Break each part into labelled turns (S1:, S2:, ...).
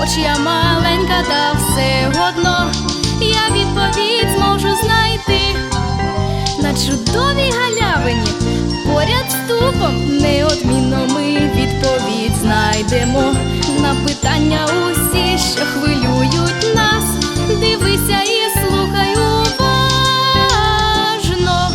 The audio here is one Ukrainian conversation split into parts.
S1: хоч я маленька, та все одно я відповідь зможу знайти. На чудовій галявині поряд з дубом неодмінно ми відповідь знайдемо. На питання усі, що хвилюють нас, дивися і слухай уважно.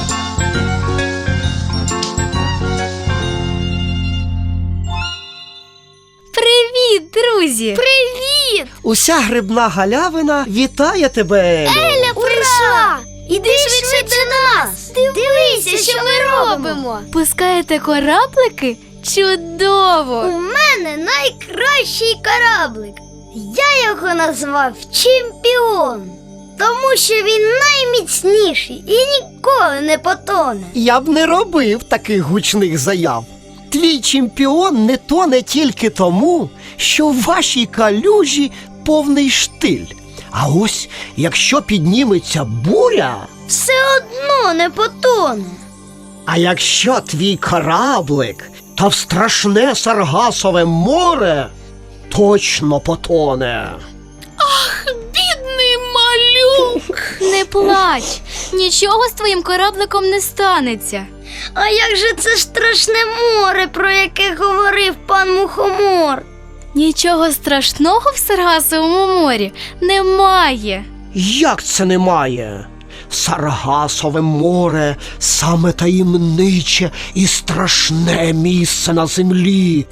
S1: Привіт, друзі!
S2: Привіт!
S3: Уся грибна галявина вітає тебе, Елю!
S2: Еля прийшла! Іди швидше до нас! Дивися, що ми робимо!
S1: Пускаєте кораблики? Чудово!
S2: У мене найкращий кораблик. Я його назвав Чемпіон, тому що він найміцніший і ніколи не потоне.
S3: Я б не робив таких гучних заяв. Твій чемпіон не тоне тільки тому, що в вашій калюжі повний штиль. А ось якщо підніметься буря,
S2: Все одно не потоне.
S3: а якщо твій кораблик та в страшне Саргасове море, точно потоне.
S1: Бідний малюк! Не плач, нічого з твоїм корабликом не станеться.
S2: А як же це страшне море, про яке говорив пан Мухомор?
S1: Нічого страшного в Саргасовому морі немає.
S3: Як це немає? Саргасове море – саме таємниче і страшне місце на землі.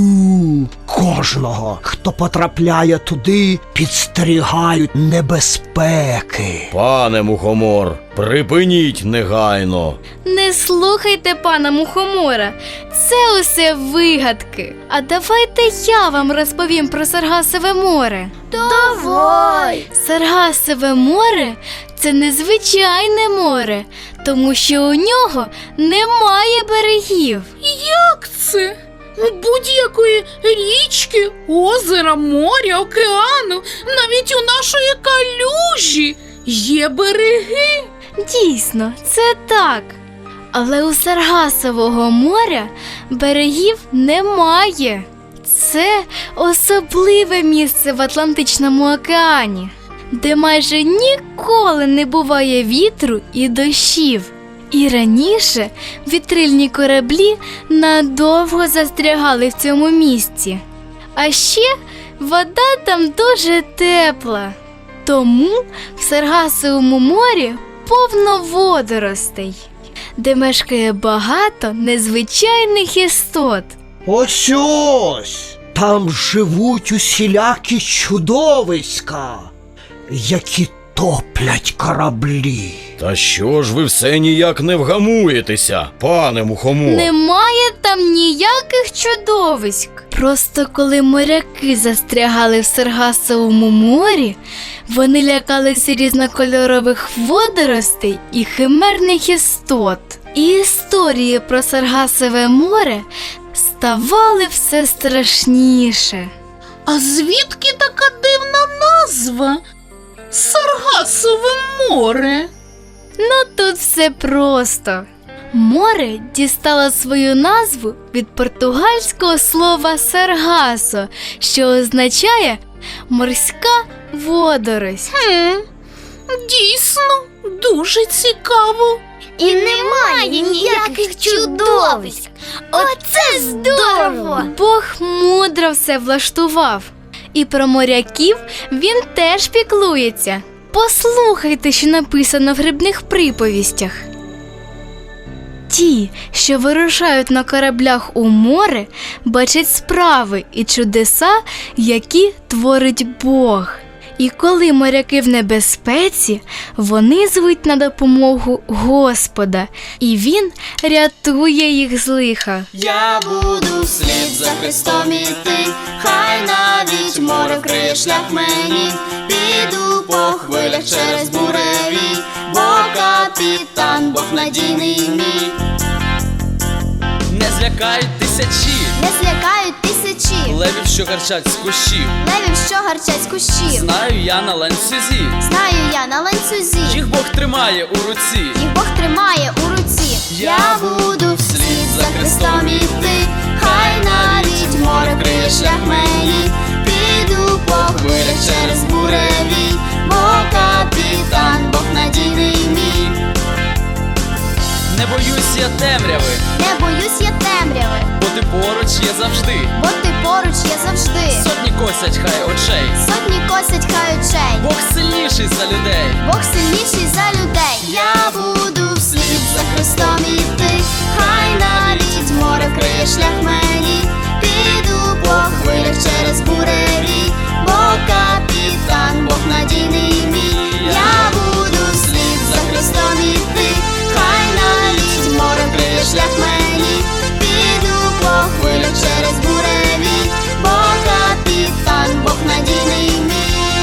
S3: Кожного, хто потрапляє туди, підстерігають небезпеки.
S4: Пане Мухомор, припиніть негайно.
S1: Не слухайте пана Мухомора, це усе вигадки. А давайте я вам розповім про Саргасове море.
S2: Давай!
S1: Саргасове море – це незвичайне море, тому що у нього немає берегів.
S5: Як це? Будь-якої річки, озера, моря, океану, навіть у нашої калюжі є береги.
S1: Дійсно, це так. Але у Саргасового моря берегів немає. Це особливе місце в Атлантичному океані, де майже ніколи не буває вітру і дощів. І раніше вітрильні кораблі надовго застрягали в цьому місці. А ще вода там дуже тепла. Тому в Саргасовому морі повно водоростей, де мешкає багато незвичайних істот.
S3: Ось! Там живуть усілякі чудовиська, які топлять кораблі.
S4: Та що ж ви все ніяк не вгамуєтеся, пане Мухомор?
S1: Немає там ніяких чудовиськ. Просто коли моряки застрягали в Саргасовому морі, вони лякалися різнокольорових водоростей і химерних істот. І історії про Саргасове море ставали все страшніше.
S5: А звідки така дивна назва? Саргасове море.
S1: Ну тут все просто. Море дістало свою назву від португальського слова «саргасо», що означає «морська водорость».
S5: Дійсно, дуже цікаво.
S2: І немає ніяких чудовиськ. Оце здорово!
S1: Бог мудро все влаштував. І про моряків він теж піклується. Послухайте, що написано в грибних приповістях. Ті, що вирушають на кораблях у море, бачать справи і чудеса, які творить Бог. І коли моряки в небезпеці, вони звуть на допомогу Господа, і Він рятує їх з лиха.
S6: Я буду вслід за Христом іти, хай навіть море вкриє шлях мені, піду по хвилях через буреві, бо капітан, Бог надійний мій.
S7: Не злякають тисячі
S2: Не злякають тисячі
S7: левів, що гарчать з кущів.
S2: левів, що гарчать з кущів.
S7: Знаю я на ланцюзі,
S2: Знаю я на ланцюзі,
S7: їх Бог тримає у руці.
S2: їх Бог тримає у руці.
S6: Я буду вслід за Христом іти, хай навіть море вкриє шлях мені, піду по
S7: темряви,
S6: Не боюсь я темряви,
S7: бо ти поруч є завжди.
S6: бо ти поруч є завжди.
S7: Сотні косять хай очей,
S6: Сотні косять хай очей,
S7: Бог сильніший за людей.
S6: Бог сильніший за людей. Я буду вслід за Христом іти, хай навіть море вкриє шлях мені. Піду по хвилях через буреві, бо капітан, Бог надійний мій. Я буду вслід за Христом іти, хай навіть море вкриє шлях мені. Піду по хвилях через буреві, бо капітан, Бог надійний мій.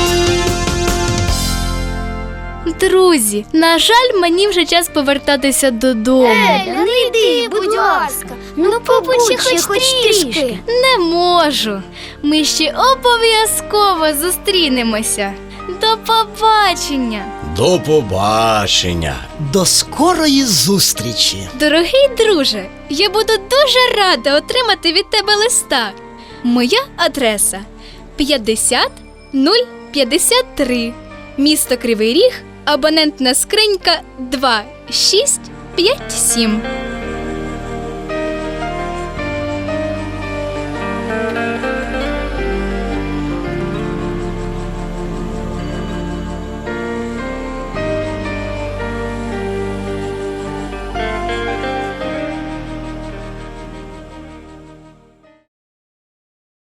S1: Друзі, на жаль, мені вже час повертатися додому.
S2: Еля, не йди, будь ласка. Ну побудь ще хоч трішки.
S1: Не можу. Ми ще обов'язково зустрінемося. До побачення.
S4: До побачення.
S3: До скорої зустрічі.
S1: Дорогий друже, я буду дуже рада отримати від тебе листа. Моя адреса 50053, місто Кривий Ріг, абонентна скринька 2657.